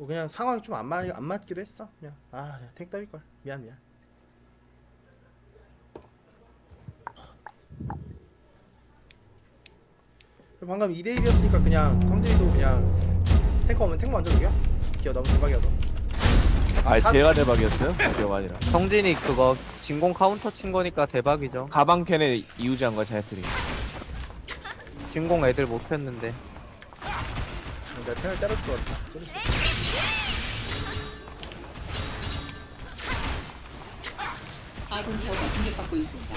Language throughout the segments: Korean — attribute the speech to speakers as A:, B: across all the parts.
A: 뭐 그냥 상황이 좀 안 맞기도 했어. 그냥 그냥 택 떨릴 걸. 미안. 방금 2대1이었으니까 그냥 성진이도 그냥 탱커 오면 탱 먼저 죽여. 기어 너무 대박이어도.
B: 제가 대박이었어요? 기억 아니라.
C: 성진이 그거 진공 카운터 친 거니까 대박이죠.
B: 가방 캔에 이우지한 거야 자이트리.
C: 진공 애들 못 폈는데.
A: 내가 탱을 때려줄 것 같아.
D: 아군 타워가 공격받고 있습니다.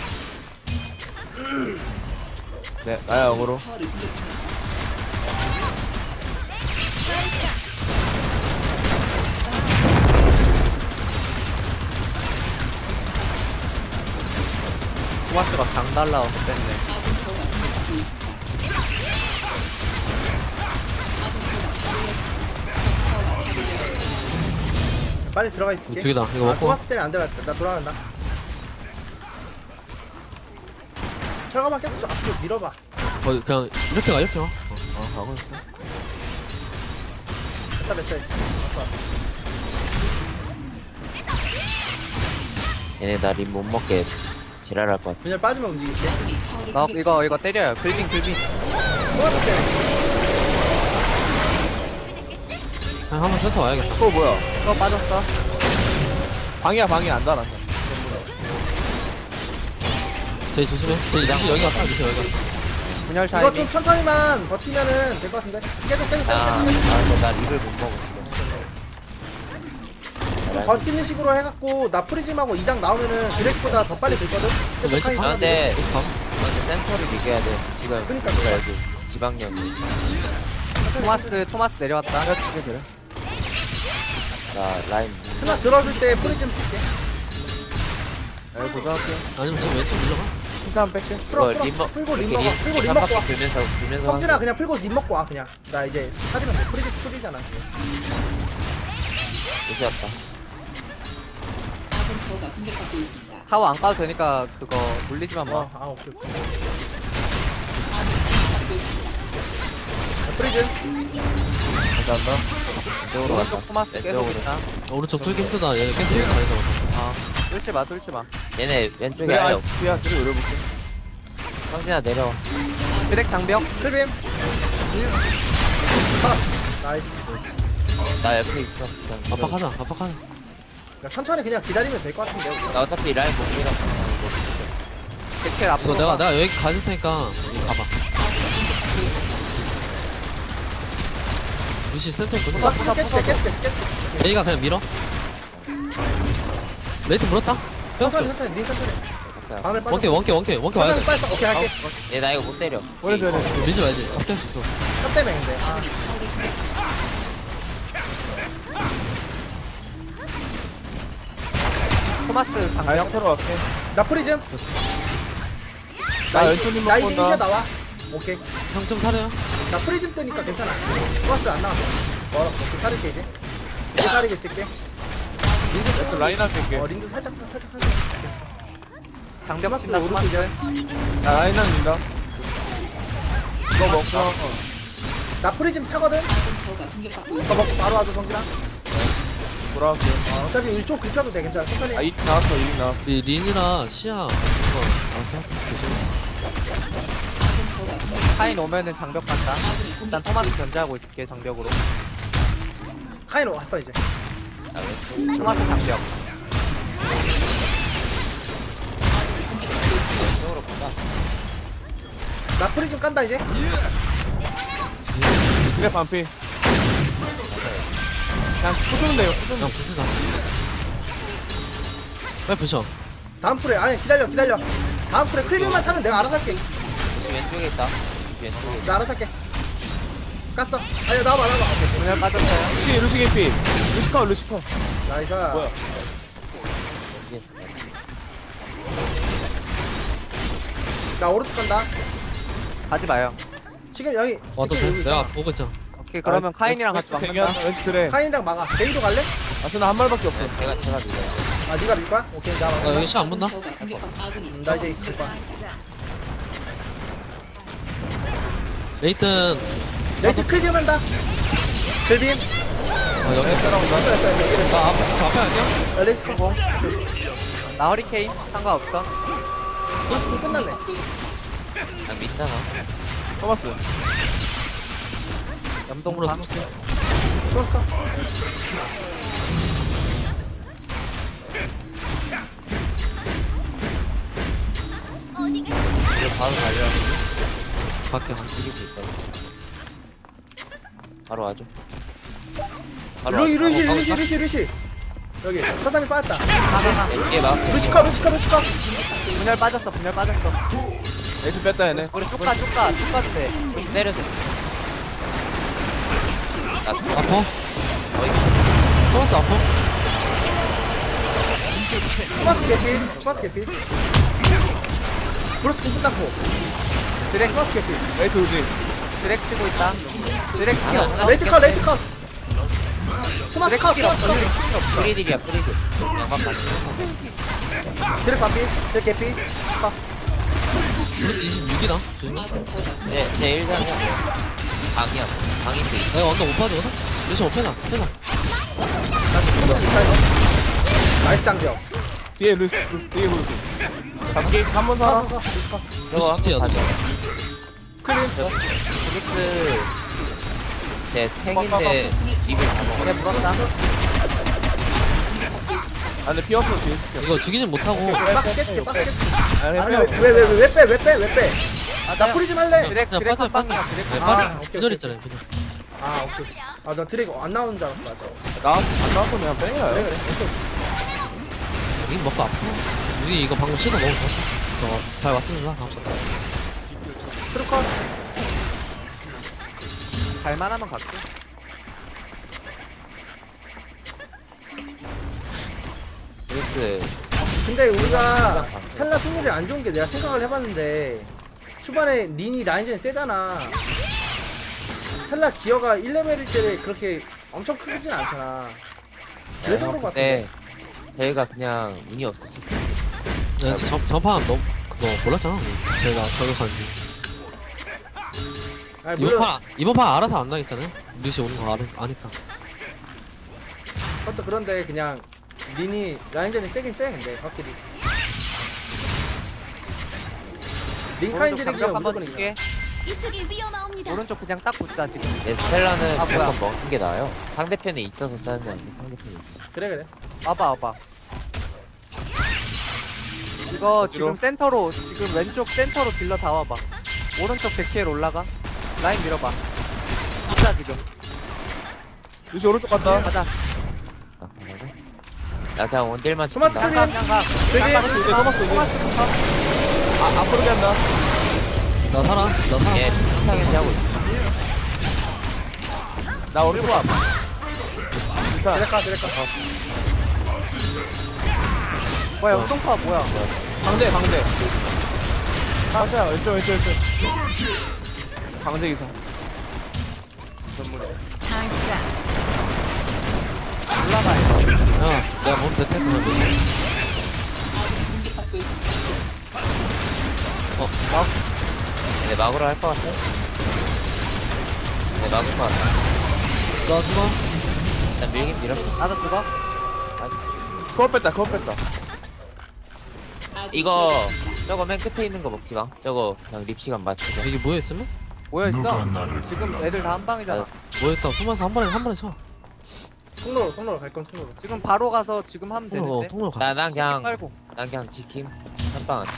B: 네, 나야 영어로.
D: 타워를 공격 중.
C: 토마스가 당 달라와서 뺐네.
D: 아군 타워가 공격받고 있습니다. 아군 타워가 파괴되었습니다.
A: 빨리 들어가 있을게.
E: 두 개다. 이거 먹고.
A: 토마스 때문에 안 들어갔다. 나 돌아간다. 철거만 계속 앞으로 밀어봐.
E: 그냥 이렇게 가 이렇게 가.
B: 가고 있어.
A: 됐다 됐어. 왔어.
F: 얘네 나 림 못 먹게 지랄할 것 같아.
A: 그냥 빠지면 움직일게.
D: 아군이 타워를
C: 나
D: 공격 중.
C: 이거 때려요. 글빙.
A: 토마스 때문에.
E: 그냥 한번 센터 와야겠다.
B: 그거 뭐야?
C: 이거 빠졌어.
B: 방이야 안 달았어.
E: 제이 조심해. 제이 리시 여기 갔다. 리시 여기 갔다.
C: 분열
A: 이거
C: 타이밍.
A: 좀 천천히만 버티면은 될 것 같은데. 계속.
F: 근데 나 립을 못 먹었어.
A: 버티는 식으로 해갖고 나 프리즘하고 2장 나오면은 드랙보다 더 빨리 들거든. 계속
E: 왼쪽
A: 하이
E: 방?
F: 근데
E: 방?
F: 센터를 이겨야 돼. 지금
A: 그러니까
F: 우리가 여기 지방령이.
C: 토마스 내려왔다.
B: 그래.
F: 나 라인
A: 하나 들어줄 때 프리즘 쓸게.
B: 네, 도전할게요.
E: 아니면 지금 왼쪽 밀려가?
B: 힘싸움 뺄게.
A: 풀어
F: 이거 림 먹.
A: 풀고 림
F: 이렇게
A: 먹어. 풀고 림
F: 한
A: 먹고
F: 바퀴
A: 와.
F: 돌면서
A: 성진아
F: 하는
A: 그냥 풀고 림 먹고 와 그냥. 나 이제 사지면 돼. 프리즘 풀이잖아.
F: 있었다.
D: 아군 타워가 공격받고 있습니다.
C: 타워 안 까도 되니까 그거 돌리지만 마.
A: 오케이.
D: 아군 공격받고 있습니다.
A: 프리즘.
B: 감사합니다.
F: 이쪽으로 갔다.
C: 오른쪽 토마스 계속
F: 왼쪽으로.
C: 있다.
E: 오른쪽 뚫기 힘들다. 얘 계속 여기 다니다.
C: 뚫지 마.
F: 얘네 왼쪽에
B: 그래,
F: 아예 없.
B: 뒤야 뒤로 노려볼게.
F: 성진아 내려와.
C: 드랙 장벽.
A: 클빔. 나이스.
F: 나 옆에 있어.
E: 압박하자.
A: 그러니까 천천히 그냥 기다리면 될 것 같은데. 우리가.
F: 나 어차피 라인 못 밀어.
C: 백킬 앞으로.
E: 이거 내가 여기 가줄 테니까 여기 가봐. 루시 센터 보자.
A: 깼어.
E: 제이가 그냥 밀어. 메이트 물었다.
A: 천천히
E: 빼었어.
A: 린 천천히. 방을 빠져.
E: 원캐 와야 돼.
A: 빨리 써. 오케이 할게.
F: 얘나 이거 못 때려.
B: 원래 돼야 돼.
E: 밀지 말지. 잡게 할 수 있어.
A: 첫 때문에 근데.
D: 아군이 타워를 공격 중.
C: 토마스 장벽.
B: 아예 서로 갈게.
A: 나 프리즘.
B: 나 왼손님
A: 나
B: 먹고
A: 이제
B: 온다.
A: 이제 나와. 오케이.
E: 형 좀 사려요.
A: 나 프리즘 뜨니까 괜찮아. 플러스 안 나왔어. 오케이 사릴게 이제. 이제 사리고 있을게.
B: 왼쪽 라인 할게.
A: 린도 살짝.
C: 장벽
A: 토마스
C: 친다 토마스.
B: 나 라인 합니다. 이거 먹고.
A: 나 프리즘 타거든.
D: 아군 타워가 공격받고
A: 이거
D: 있습니다.
A: 먹고 바로 와줘 성진아.
B: 돌아갈게요.
A: 어차피 일쪽 긁혀도 돼 괜찮아. 천천히.
B: 이 나왔어, 이 나왔어.
E: 우리 린이랑 시야 이거 알았어.
D: 아군 타워가 공격.
C: 카인 오면은 장벽 간다.
D: 아군이
C: 일단
D: 공격받고
C: 토마스
D: 있습니다.
C: 견제하고 있을게 장벽으로.
A: 카이로 왔어 이제.
F: 나 왼쪽.
C: 토마스 장벽.
F: 왼쪽으로 가자.
A: 나 프리즘 깐다 이제.
B: 그래, 반피. 그냥 부수면 돼요, 부수면
E: 그냥 부수자. 빨리 부셔.
A: 다음 프레 아니 기다려. 다음 프레 클빔만 차면 내가 알아서 할게.
F: 루시 왼쪽에 있다. 루시 왼쪽에 있다.
A: 나 알아서 할게. 깠어. 아니 나와봐. 오케이.
C: 분열 빠졌어요.
B: 루시 개피. 루시컷.
A: 나이스.
B: 뭐야?
F: 여기 있어.
A: 나 오른쪽 간다.
C: 가지 마요.
A: 지금 여기.
E: 와도
A: 지금
E: 돼.
A: 여기
E: 내가
A: 있잖아.
E: 보고 있잖아.
C: 오케이 그러면 카인이랑 같이 막는다.
B: 왼쪽 그래.
A: 카인이랑 막아. 데이도 갈래?
B: 아스나 한 발밖에 없어.
F: 제가 밀어요.
A: 아 네가 밀 거야? 오케이 나
E: 나
A: 막아.
E: 여기 시야 안 본다.
D: 타워가 공격받 아군이
A: 나 이제 이끌 거야.
E: 레이튼
A: 레이트 클빔 한다. 클빔.
E: 여기
A: 됐어 됐어.
E: 나 앞에 아니야?
A: 레이스 컷.
C: 성공. 나 허리케인 상관없어.
A: 벌써 끝났네.
F: 그냥 믿잖아.
B: 토마스.
C: 염동파.
A: 플러스 컷.
F: 이거 바로 달려. 밖에 한 죽이고 있다. 바로 와줘. 바로 와줘.
A: 루시. 여기 사삼이 빠졌다.
F: 이게 막.
A: 루시카.
C: 분열 빠졌어.
B: 에이스 뺐다 얘네.
C: 우리 쭉 돼.
F: 때려줘. 나 죽어.
E: 아파?
F: 어이.
E: 토마스 아파?
A: 토마스 개피. 브로스 공부 닦고.
C: 드랙
A: 토마스 개피.
B: 에이스 우지.
C: 드랙 치고 있다. 드랙
F: 하나,
C: 키워.
F: 하나.
A: 레이트 컷. 토마스
C: 드랙
A: 컷.
C: 키워.
F: 프리딜이야 프리딜. 양반 맞지.
A: 드랙 반피. 드랙 개피. 컷.
E: 그렇지 26이다 조심해
D: 아군 타워가
F: 제 1장이야. 방이야. 방인데.
E: 내가 완전 못 봐줘 루시 못 패나
A: 나이스 장벽.
B: 뒤에 루시. 뒤에 루시. 잡기 한번 살아.
F: 저거
E: 루시 뒤야
F: 한번
E: 루시
F: 가져. 프릭스 제 탱인데 입을 다 먹어.
C: 그래 물었다.
B: 아 근데 피 없어 뒤에 있어.
E: 이거 죽이진 못하고
A: 박스 깨줄게.
B: 아니
A: 아니
B: 피
A: 왜 빼? 나 뿌리지 말래.
C: 드랙
E: 그냥
C: 드랙
E: 빠져
C: 한 방이야. 드랙
E: 네,
C: 한
A: 아,
E: 빠져
A: 오케이,
E: 분열 있잖아요 분열
A: 오케이. 나 드랙 안 나오는 줄 알았어. 맞아.
B: 안 나왔어 그냥 빼야.
A: 그래.
E: 여기 먹고 아파 우리 이거 방금 씻어 먹을 거 저거 잘 왔습니다
A: 트루컷.
C: 갈만하면 갈게.
F: 프릭스
A: 근데 우리가 텔라 승률이 안 좋은 게 내가 생각을 해봤는데 초반에 린이 라인전이 세잖아. 텔라 기어가 1레벨일 때 그렇게 엄청 크진 않잖아. 그래서 그런 것 같은데.
F: 저희가 그냥 운이 없었을 때.
E: 근데 전판 너 그거 몰랐잖아 저희가 저격하는지
A: 아니, 물론
E: 이번 판 알아서 안 나겠잖아요 루시 오는 거 아니까
A: 그것도 그런데 그냥 린이 라인전이 세긴 세. 근데 확실히 링카인
C: 오른쪽
A: 드랙이
C: 장벽 한번
A: 무조건
C: 줄게.
G: 이쪽이 위험합니다.
C: 오른쪽 그냥 딱 붙자 지금.
F: 내 스텔라는
C: 아, 뭐야.
F: 무조건 먹는 게 나아요. 상대편에 있어서 짜증 나는데 상대편에 있어.
A: 그래.
C: 와봐. 이거
B: 어디로?
C: 지금 센터로 지금 왼쪽 센터로 딜러 다 와봐. 오른쪽 데키엘 올라가. 라인 밀어봐. 붙자 지금.
B: 루시 오른쪽 갔다.
C: 가자.
F: 아, 그러고? 나 그냥 원딜만
A: 토마토
F: 지킨다.
A: 클린.
C: 그냥 가.
A: 되게
C: 토마스부터.
B: 앞으로 간다.
E: 나 살아
F: 얘 핑타겐지 하고 있어.
B: 나 오른쪽 앞. 일단
A: 드랙가.
C: 뭐야 영동파 뭐야?
B: 방대. 가자 왼쪽. 방대 기사.
C: 올라가요.
E: 야 내가 몸 대퇴 그러면
D: 아군이 공격받고 있습니다.
F: 얘네 막으로 할 것 같아? 얘네 막을 것 같아.
E: 나 죽어
F: 일단 밀긴 밀었어.
C: 나도 죽어.
F: 알았어.
B: 코어 뺐다.
D: 아군
F: 이거 저거 맨 끝에 있는 거 먹지 마. 저거 그냥 립 시간 맞추자.
E: 여기 모여있으면?
C: 모여 있어. 지금 애들 다 한 방이잖아.
E: 모여있다가 숨어서 한 번에 쳐
A: 통로로 갈 건 통로로.
C: 지금 바로 가서 지금 하면 되는데.
E: 통로 가
F: 난 그냥
C: 빨고.
F: 지킴. 한방 안 쳐.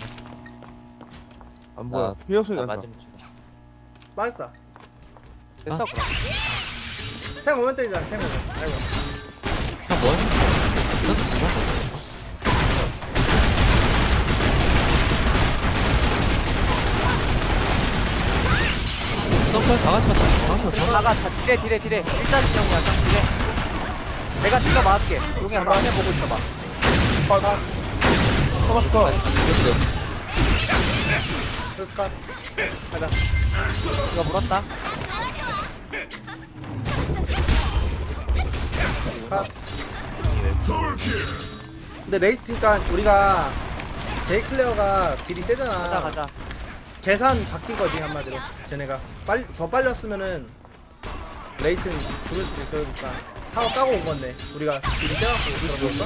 B: 안 보여.
F: 나-
B: 피어 소리
F: 나
B: 난다.
F: 맞으면 죽어.
A: 맞았어.
C: 됐어. 그럼.
A: 탱 오면 때리자. 탱 오면. 아이고.
E: 형 뭐해? 나도 진짜 썸플 다 같이 가자
C: 나가 딜해. 일단 진영 가자. 딜해. 내가 딜러 막을게. 용이야 너 앞에 보고 있어봐.
B: 토마스 컷.
F: 죽였어.
A: 플러스 컷. 가자.
C: 이거 물었다.
A: 컷. 근데 레이트니까 우리가 데이클레어가 딜이 세잖아.
C: 가자.
A: 계산 바뀐 거지 한마디로. 쟤네가 더 빨리 왔으면은 레이트는 죽을 수도 있으니까. 타워 까고 온 건데 우리가 둘이 떼갖고 들어볼까?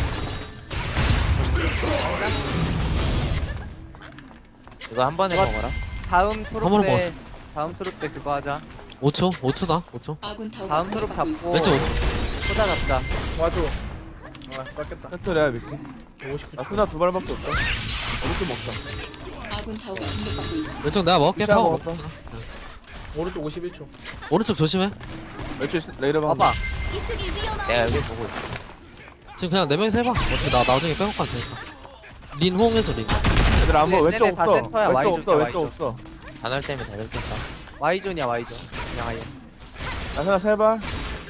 F: 이거 한 번에
C: 좋아.
F: 먹어라.
C: 다음
E: 번을
C: 트룹 때
E: 먹었어.
C: 다음 트룹 때 그거 하자.
E: 5초? 5초다 5초
D: 아군 타워가
C: 다음 트룹
D: 공격받고
C: 잡고
E: 왼쪽 5초
C: 소자 잡자.
A: 와줘. 아 깎겠다.
B: 센터래야 미키.
A: 59초.
B: 나 스나 두 발밖에 없다. 어떻게 먹자.
D: 아군 타워가 공격받고 있습니다.
E: 왼쪽 내가 먹을게
B: 시작
E: 타워
B: 먹었다.
A: 오른쪽 51초.
E: 오른쪽 조심해
B: 멸치 레이더 방.
C: 봐봐.
G: 이쪽이 위험합니다.
F: 내가 여기 보고 있어.
E: 지금 그냥 4명이서 해봐 어차피 나 나중에 빼고 가도 되니까 린 호응해줘 린
B: 얘들 안 먹어.
C: 쟤네
B: 왼쪽
C: 다
B: 없어.
C: 센터야,
B: 왼쪽
C: 와이존,
B: 없어. 왼쪽
C: 와이존.
B: 없어.
F: 단월 때문에 다 들켰다.
C: Y존이야 Y존. 그냥 아예.
B: 나 스나 세 발.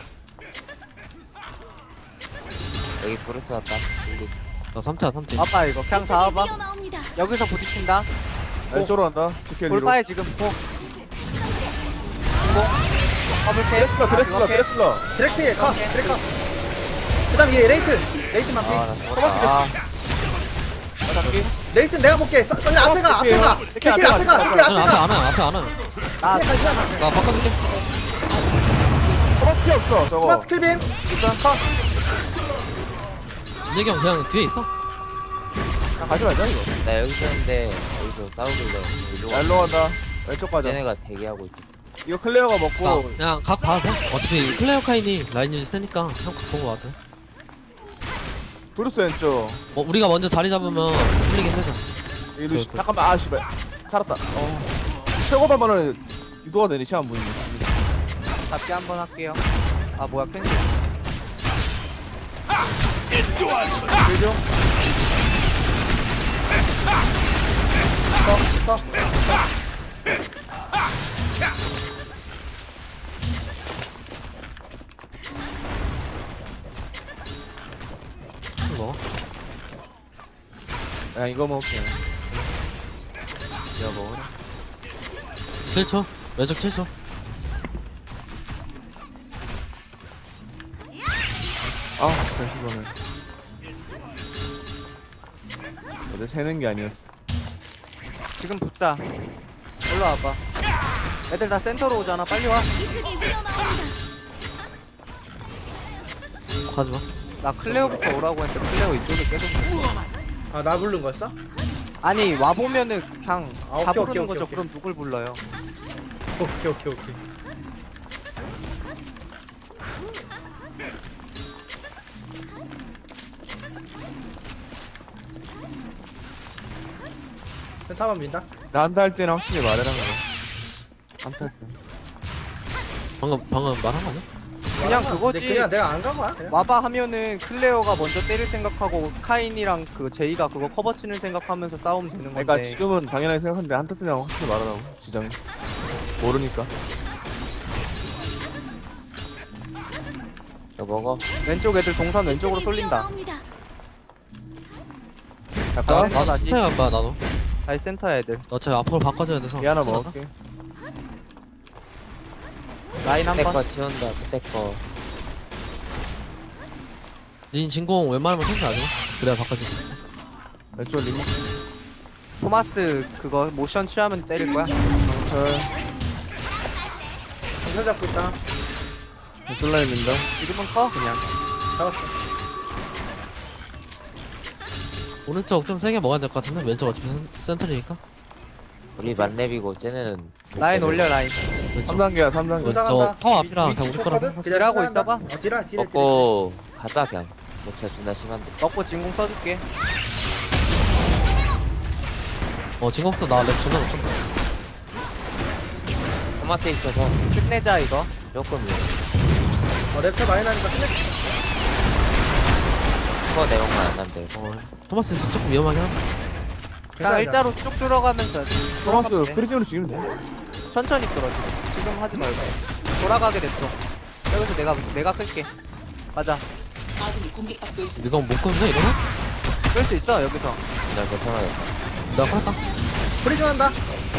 F: 여기 브루스 왔다. 여기
E: 나 3티야 3티
C: 봐봐 이거 그냥 다
G: 이쪽이
C: 와봐.
G: 위험합니다.
C: 여기서 부딪힌다.
B: 왼쪽으로 간다. 지켜 리로.
C: 돌파해 지금 포. 중공. 더블캐.
B: 드레슬러. 드레슬러.
A: 드래키 가. 드래키 가. 그다음 얘 레이튼. 레이튼만 피.
F: 아나 죽었다. 아,
A: 레이튼 내가 볼게. 썰리 앞에 가. 앞에 가.
B: 이렇게
A: 데킬 앞에 가. 데킬 앞에
E: 앞에
A: 가.
E: 안와
C: 나
A: 데킬 같이 가.
E: 나 바꿔줄게
B: 토마스 피 없어. 저거.
A: 토마스 킬빔. 일단 컷.
E: 민혁이 형 그냥 뒤에 있어
B: 나 가지 말자 이거.
F: 나 여기 있었는데 여기서 싸우길래 일로
B: 나 일로 간다. 왼쪽 가자.
F: 쟤네가 대기하고 있었어.
B: 이거 클레어가
E: 나
B: 먹고.
E: 그냥 각 봐도 돼 어차피 클레어 카인이 라인 유지 세니까 형 갖고 거 같아
B: 브루스 왼쪽.
E: 우리가 먼저 자리 잡으면 풀리긴 하자
B: 이 루시. 잠깐만. 아 씨발. 살았다. 최고반만은 유도가 되니 시간 보이네.
C: 잡기 한번 할게요. 아 뭐야 캔슬.
A: 그죠? 컷.
E: 먹어
B: 야 이거 먹을게.
F: 내가 먹어라.
E: 7초 왼쪽 7초
B: 아 진짜 이거는. 근데 새는 게 아니었어.
C: 지금 붙자. 일로 와봐. 애들 다 센터로 오잖아. 빨리 와.
G: 이쪽이 위험합니다.
E: 가지마
C: 나 클레오부터 오라고 했는데 클레오 이쪽에 계속.
A: 아나 부른 거였어?
C: 아니 와 보면은 그냥
A: 아,
C: 다
A: 오케이,
C: 부르는
A: 오케이,
C: 거죠.
A: 오케이.
C: 그럼 누굴 불러요?
A: 오케이. 센터만 민다.
B: 나한테 할 때는 확실히 말해라 그래. 한테 할 때.
E: 방금 말한 거 아니야?
C: 그냥
A: 근데
C: 그거지.
A: 그냥 내가 안 간 거야. 그냥.
C: 와봐 하면은 클레오가 먼저 때릴 생각하고 카인이랑 그 제이가 그거 커버 치는 생각하면서 싸우면 되는 건데.
B: 그러니까 지금은 당연하게 생각하는데 한테 때는 확실히 말하라고. 지장이. 모르니까.
F: 이거 먹어.
C: 왼쪽 애들 동선 왼쪽으로
G: 이쪽이
C: 쏠린다.
G: 위험합니다.
C: 잠깐
E: 나도
C: 다시
E: 스타일 봐 나도
C: 다시 센터 애들.
E: 나 어차피 앞으로 바꿔줘야 돼서
B: 이 하나
E: 괜찮아.
B: 먹을게.
C: 라인
F: 그때
C: 한번.
F: 거 지운다. 그때 거.
E: 닌 진공 웬만하면 생각 안 해. 그래야 바꿔줄 수 있어
B: 왼쪽 리모.
C: 토마스 그거 모션 취하면 때릴 거야.
B: 저
A: 전설 잡고 있다.
B: 왼쪽 라인 민다.
C: 지금은 커 그냥.
A: 잡았어.
E: 오른쪽 좀 세게 먹어야 될 것 같은데 왼쪽 어차피 센터리니까
F: 우리 만렙이고 쟤네는
C: 라인 올려 라인.
E: 왼쪽
B: 3단계야 3단계.
A: 도착한다.
E: 저 타워 앞이라 그냥 우리 거라서
C: 딜하고 있어봐.
A: 딜하.
F: 먹고 가자 그냥. 목차 존나 심한데.
C: 먹고 진공 써줄게.
E: 진공수 나랩 존나 높던데
F: 토마스 있어서
C: 끝내자 이거.
F: 조금 위험해.
A: 랩차 많이 나니까 끝내.
F: 스코어 내용만 안 나면 돼.
E: 토마스 조금 위험하긴 한데
C: 그냥 일자로 쭉 들어가면서
B: 토마스
C: 들어가면 돼.
B: 프리즘으로 죽이면 돼.
C: 천천히 끌어 지금 하지 말고. 돌아가게 됐어. 여기서 내가 끌게. 가자.
D: 아군이 공격받고 있습니다.
E: 누가 못 끊네 이러면?
C: 끌 수 있어 여기서.
F: 나 괜찮아졌다.
E: 내가 끌었다
A: 프리즘 한다.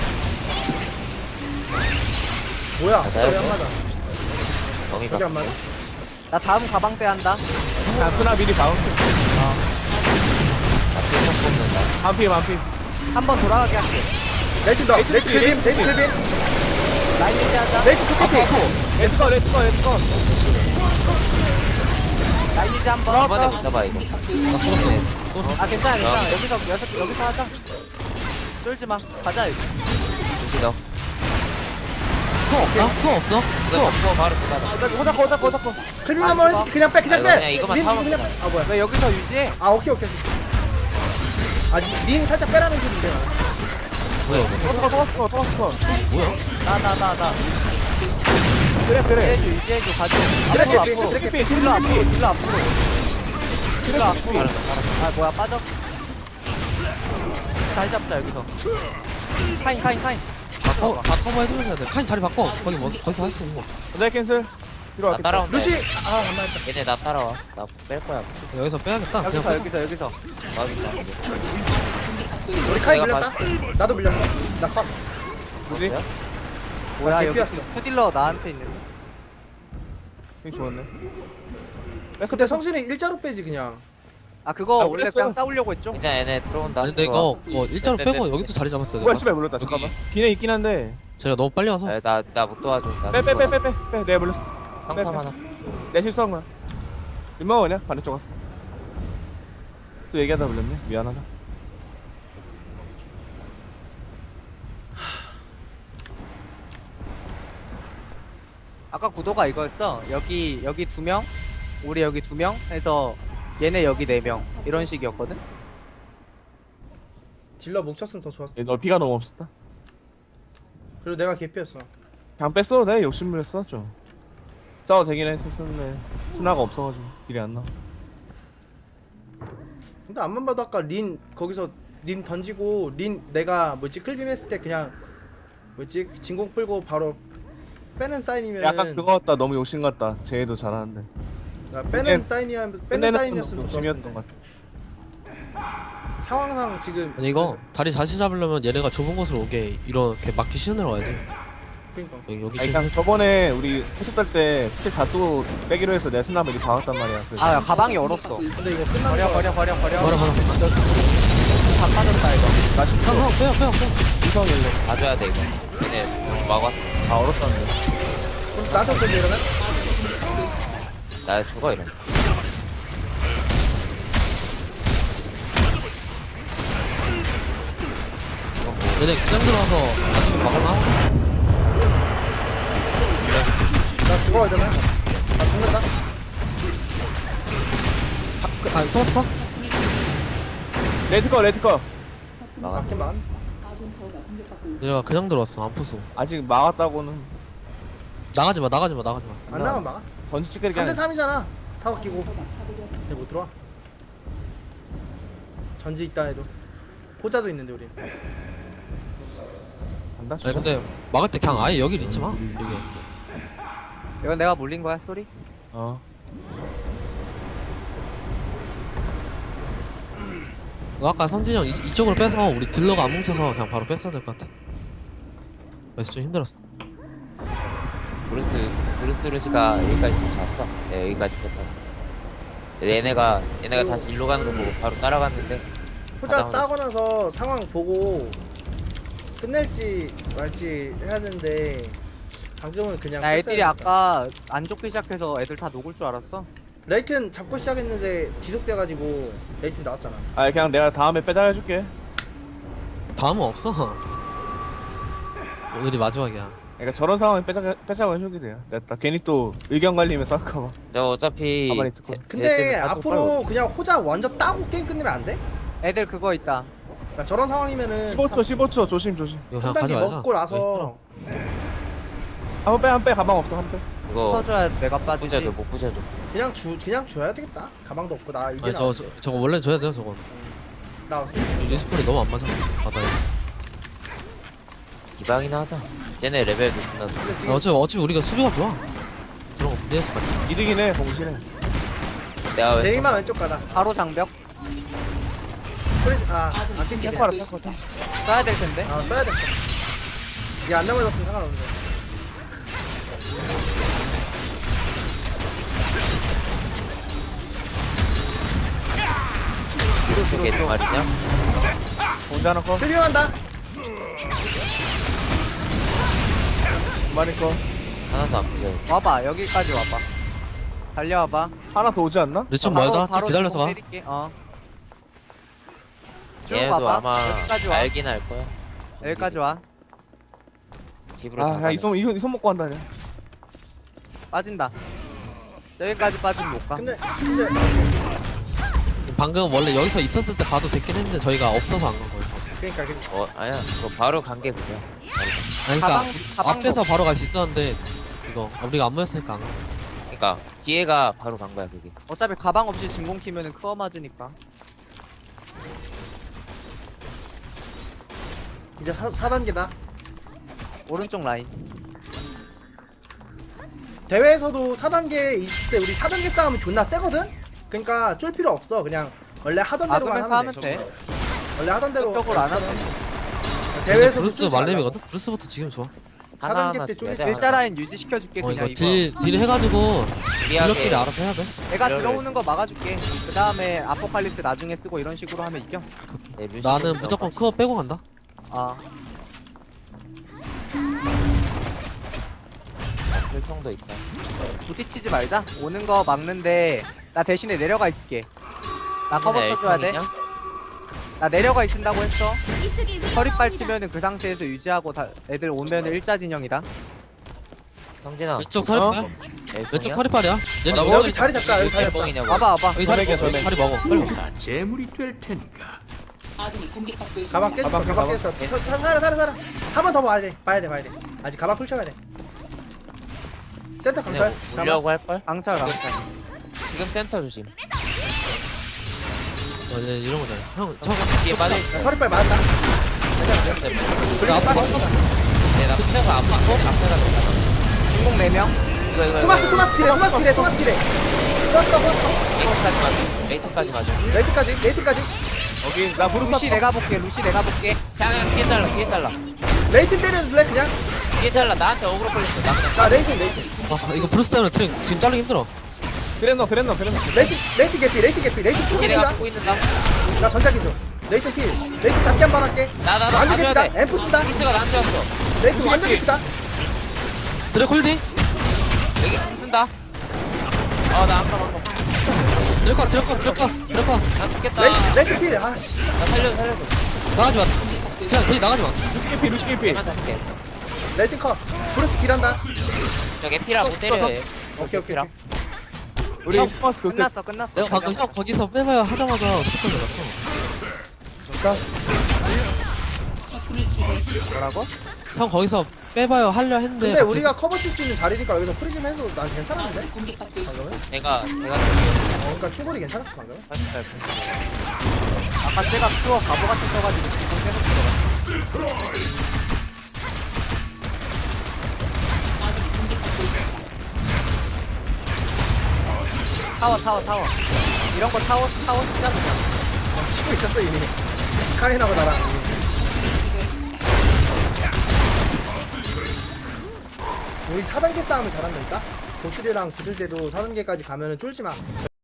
A: 뭐야?
F: 맞아요,
A: 왜안 맞아?
F: 정이
A: 저기 안 맞아?
C: 나 다음 가방 빼한다.
B: 자 스나 미리 다운.
F: 나필터 뽑는다.
B: 한피.
C: 한 번 돌아가게 할게.
A: 레이튼 더. 레이튼 클빔. 레이튼 클빔.
C: 라인 유지하자.
A: 레이튼 투피피.
B: 렛츠고.
C: 유지 한번.
F: 한 번에 못 잡아 이거.
E: 나 죽었어.
C: 아 괜찮아 괜찮아. 여기서 하자. 쫄지 마. 가자 여기.
F: 조시 너.
E: 그거 없다? 그거 없어?
F: 이거 잡고 바로 들어가.
B: 호자코.
A: 클빔 한번 그냥 빼 그냥
F: 아,
A: 빼.
F: 그냥 이거만
A: 린
F: 참으면
A: 그냥
F: 되나?
A: 빼. 아 뭐야?
C: 왜 여기서 유지해?
A: 아 오케이. 아닌 살짝 빼라는 소리인데.
E: 뭐야 이거?
B: 토마스코.
E: 뭐야?
C: 나.
B: 그래.
C: 유지해줘 가져.
A: 그래,
C: 앞으로.
A: 그래.
C: 딜러 앞으로. 아 뭐야 빠져. 다시 잡자 여기서. 카인.
E: 바꿔봐 해줘야 돼. 카인 자리 바꿔. 거기서 할 수 있는 거.
B: 내 캔슬. 뒤로
F: 나
B: 갈게.
F: 따라온다.
A: 루시 아 안맞았다.
F: 얘네 나 따라와. 나 뺄 거야.
E: 여기서 빼야겠다. 그냥 빼.
C: 여기서.
F: 막인다.
A: 우리 카이
F: 내가
A: 밀렸다. 나도 밀렸어. 나 팍.
B: 뭐지?
C: 뭐야 여기
A: 개피였어.
C: 투딜러 나한테 있는.
B: 형이 죽었네.
A: 근데 성신이 일자로 빼지 그냥.
C: 아 그거
B: 아,
C: 원래
B: 몰랐어.
C: 그냥 싸우려고 했죠?
F: 괜찮아 얘네 들어온다.
E: 아니 근데 이거 일자로
F: 네,
E: 빼고
F: 네,
E: 여기서 자리 잡았어야 돼.
B: 뭐야 씨발 물렸다. 잠깐만. 기내 있긴 한데.
E: 제가 너무 빨리 와서.
F: 나나 못 도와줘. 나
B: 빼. 내가 물렸어.
F: 상탐 하나.
B: 내 실수한 거야. 민망하 그냥 반대쪽 갔어. 또 얘기하다 물렸네. 미안하다.
C: 아까 구도가 이거였어. 여기 2명, 우리 여기 2명 해서 얘네 여기 4명 이런 식이었거든.
A: 딜러 뭉쳤으면 더 좋았어.
B: 너 피가 너무 없었다.
A: 그리고 내가 개피였어.
B: 그냥 뺐어도 돼. 욕심 부렸어 좀. 싸워 되긴 했었는데 스나가 없어가지고 딜이 안 나와.
A: 근데 앞만 봐도 아까 린 거기서 린 던지고 린 내가 클빔 했을 때 그냥 진공 풀고 바로 빼는 사인이면
B: 약간 그거 같다. 너무 욕심 같다. 쟤도 잘하는데.
A: 빼는 사인이었으면
B: 끝내는
A: 좀
B: 재미였던
A: 좋았는데
B: 것 같아.
A: 상황상 지금
E: 아니 이거 다리 다시 잡으려면 얘네가 좁은 곳으로 오게 이렇게 막기 신으러 가야지.
A: 그러니까
E: 여기
B: 아니
E: 좀
B: 그냥 저번에 우리 호수 딸때 스킬 다 쓰고 빼기로 해서 내 스나블이 박았단 말이야. 그래서
C: 아 가방이 얼었어.
A: 근데 이거 끝난 거
C: 버려.
E: 버려.
C: 다 빠졌다 이거.
B: 나 10초
E: 형 빼요.
B: 이성일래.
F: 봐줘야 돼 이거. 얘네 막았어.
B: 다 얼었다는데.
A: 그럼 나한테 어떻게 이러면?
F: 나 죽어 이러.
E: 얘네 그냥 들어와서 나중에 막을만 하고.
A: 나 죽어야 되나? 나 죽는다?
E: 토마스 컷?
B: 레드꺼.
A: 맞긴 맞.
E: 얘네가 그냥 들어왔어. 안 푸수.
B: 아직 막았다고는
E: 나가지 마.
A: 안 나가면 막아.
B: 던지 찌끄리게
A: 3대
B: 하는.
A: 3이잖아. 타워 끼고. 얘 못 들어와. 전지 있다 해도. 호자도 있는데 우리.
B: 간다.
E: 아니 근데 막을 때 그냥 아예 여기를 있지 마. 여기.
C: 이건 내가 물린 거야 소리?
B: 어.
E: 너 아까 선진이 형 이쪽으로 빼서 우리 딜러가 안 뭉쳐서 그냥 바로 뺐어야 될 것 같아. 그래서 좀 힘들었어.
F: 브루스 루시가 여기까지 쫓아왔어. 네, 여기까지 뺐다. 얘네가 다시 일로 가는 거 보고 바로 따라갔는데.
A: 호자
F: 가다가
A: 따고 나서 상황 보고 끝낼지 말지 해야 되는데 방금은 그냥
C: 나 애들이
A: 뺐어야
C: 아까 안 좋기 시작해서 애들 다 녹을 줄 알았어.
A: 레이튼 잡고 시작했는데 지속돼가지고 레이튼 나왔잖아.
B: 아 그냥 내가 다음에 빼자 해줄게.
E: 다음은 없어. 오늘이 마지막이야.
B: 그러니까 저런 상황에 빼자고 해주게 돼요. 내가 괜히 또 의견 갈리면 싸울까봐.
F: 저 어차피
B: 가만히 있을 거야.
A: 근데 앞으로 그냥 호자 완전 따고 게임 끝내면 안 돼?
C: 애들 그거 있다.
A: 그러니까 저런 상황이면은
B: 15초 조심.
E: 이거 그냥
A: 한
E: 가지
A: 단계
E: 말자.
A: 먹고 나서
B: 한 빼 가방 없어 한 빼.
F: 이거
C: 터줘야 내가 빠지지.
F: 부셔줘 못 부셔줘.
A: 그냥 줘야 되겠다. 가방도 없고 나 이제
E: 아니 저거 원래 줘야 돼요 저거.
A: 나
E: 리스폰이 너무 안 맞아. 바다에.
F: 기방이나 하자. 쟤네 레벨도 존나 높아.
A: 근데 지금
E: 어차피 우리가 수비가 좋아. 그런 거 무리해서 가자.
B: 이득이네 봉신해.
F: 내가 왜
A: 제이만 왼쪽 가다.
C: 바로 장벽
A: 소리 안 튕기네.
B: 탱커라.
C: 써야 될 텐데.
A: 써야 돼. 이게 안 넘어졌으면 상관없는데.
F: 이렇게 두 말이냐?
B: 혼자 하나 거.
A: 필요한다.
B: 두 마리 거.
F: 하나도 안 부셔.
C: 와봐 여기까지 와봐. 달려와봐.
B: 하나 더 오지 않나?
E: 근데 좀
C: 바로-
E: 멀다.
C: 바로
E: 좀 기다려서 가.
C: 주먹 때릴게. 쭉
F: 얘네도
C: 와봐.
F: 아마
C: 여기까지 와.
F: 알긴 알 거야.
C: 여기까지 와.
F: 집으로 다
B: 아, 야,
F: 가네.
B: 이손 먹고 한다. 야.
C: 빠진다. 저기까지 빠지면 못 가.
A: 근데
E: 방금 원래 여기서 있었을 때 가도 됐긴 했는데 저희가 없어서 안 간 거예요.
A: 그러니까
F: 아니야. 그거 바로 간 게 그거야.
E: 아니, 그러니까
C: 가방
E: 앞에서 바로 갈 수 있었는데 이거 우리가 안 모였으니까 안 가.
F: 그러니까 뒤에가 바로 간 거야 그게.
C: 어차피 가방 없이 진공 키면은 크어 맞으니까.
A: 이제 4단계다.
C: 오른쪽 라인.
A: 대회에서도 4단계 있을 때 우리 4단계 싸움이 존나 세거든? 그러니까 쫄 필요 없어. 그냥 원래 하던 대로만
C: 막으면서
A: 하면
C: 하면
A: 돼.
C: 돼.
A: 원래 하던 대로.
C: 적극적으로 안 하면 돼.
A: 대회에서도
E: 브루스
A: 쫄지 말라고.
E: 말렙이거든. 브루스부터 지금 좋아.
A: 4단계 때 쫄이
F: 줘야 돼,
A: 세.
C: 일자 라인 유지시켜줄게 그냥
E: 이거
C: 이거.
E: 딜 해가지고
F: 미안해.
E: 딜러끼리 알아서 해야 돼.
C: 내가
F: 그래.
C: 들어오는 거 막아줄게. 그 다음에 아포칼립스 나중에 쓰고 이런 식으로 하면 이겨.
F: 네, 루시오
E: 나는
F: 그냥
E: 무조건
F: 같이.
E: 크어 빼고 간다.
C: 아
F: 혈통도 있다.
C: 부딪히지 말자. 오는 거 막는데 나 대신에 내려가 있을게. 나 커버
F: 근데
C: 쳐줘야 돼.
F: 엘통이냐?
C: 나 내려가 있는다고 했어.
G: 이쪽이
C: 서리빨
G: 위험합니다.
C: 치면은 그 상태에서 유지하고 애들 오면은 일자 진영이다.
F: 성진아.
E: 왼쪽 서리빨.
F: 엘통이야?
E: 왼쪽 서리빨이야. 얘네
F: 나
E: 오른쪽
A: 여기 자리 잡자. 여기 자리 잡자.
F: 뻥이냐고.
C: 와봐 와봐.
E: 여기 자리 먹어. 여기 자리 먹어. 빨리 먹어.
H: 재물이 될 테니까.
D: 아군이 공격받고 있습니다.
A: 가방 깨졌어. 가방 깨졌어. 살아. 한 번 더 봐야 돼. 봐야 돼. 아직 가방 펼쳐야 돼. 센터 강철.
F: 그냥 보려고 할 걸?
C: 강철 강철.
F: 지금 센터 조심.
E: 이제 이런 거잖아. 형, 저
F: 뒤에 빠져.
A: 서리빨 맞았다.
E: 나 앞에
A: 빠졌어.
F: 네, 나 피자가 안 맞고 앞에가 된다.
C: 진공 4명.
F: 이거.
A: 토마스 칠해.
F: 레이트까지 맞아.
A: 레이트까지.
B: 여기 나 브루스
C: 루시 내가 볼게. 루시 내가 볼게.
F: 그냥 뒤에 잘라.
A: 레이트 때려줄래 그냥?
F: 뒤에 잘라. 나한테 어그로 걸렸어. 나 그냥
A: 나 레이트.
E: 이거 브루스 때문에 트랙 지금 자르기 힘들어.
B: 드랜너.
A: 레이트 개피. 레이트
F: 뒤에
A: 필이다.
F: 갖고 있는다.
A: 나 전자기 줘. 레이트 필. 레이트 잡기 한 번 할게.
F: 나
A: 완전
F: 가져야
A: 개피다.
F: 돼.
A: 앰프 쓴다.
F: 미스가 나한테 왔어.
A: 레이트 완전 개피다.
E: 드랙 홀딩.
F: 여기 쓴다. 나 아까
E: 드랙 컷.
F: 나 죽겠다.
A: 레이트 필. 아씨.
F: 나 살려줘.
E: 나가지 마. 그냥 저기 나가지 마.
B: 루시 개피.
F: 내가 잡게.
A: 레이트 컷. 브루스 딜한다.
F: 저게 피라 못 때려.
A: 오케이.
F: 피라.
B: 우리
E: 형,
B: 토마스 그때
C: 끝났어.
E: 내가 방금 형 거기서 빼봐야 하자마자 스피커 들었어.
D: 적군을 제거했습니다.
C: 뭐라고?
E: 형 거기서 빼봐요 하려 했는데.
A: 근데 우리가 커버 칠 수 있는 자리니까 여기서 프리즘 해도 난 괜찮았는데?
D: 아군이 공격받고 있습니다.
A: 방금은?
F: 내가
A: 그러니까 충분히 괜찮았어 방금은.
C: 아까 제가 투어 바보 같은 써가지고 진공 계속 들어갔어.
D: 아군이 공격받고 있습니다.
C: 타워. 이런 거 타워 쓰자 그냥.
A: 치고 있었어 이미. 카인하고 나랑. 우리 4단계 싸움을 잘한다니까? 보스리랑 붙을 때도 4단계까지 가면은 쫄지 마.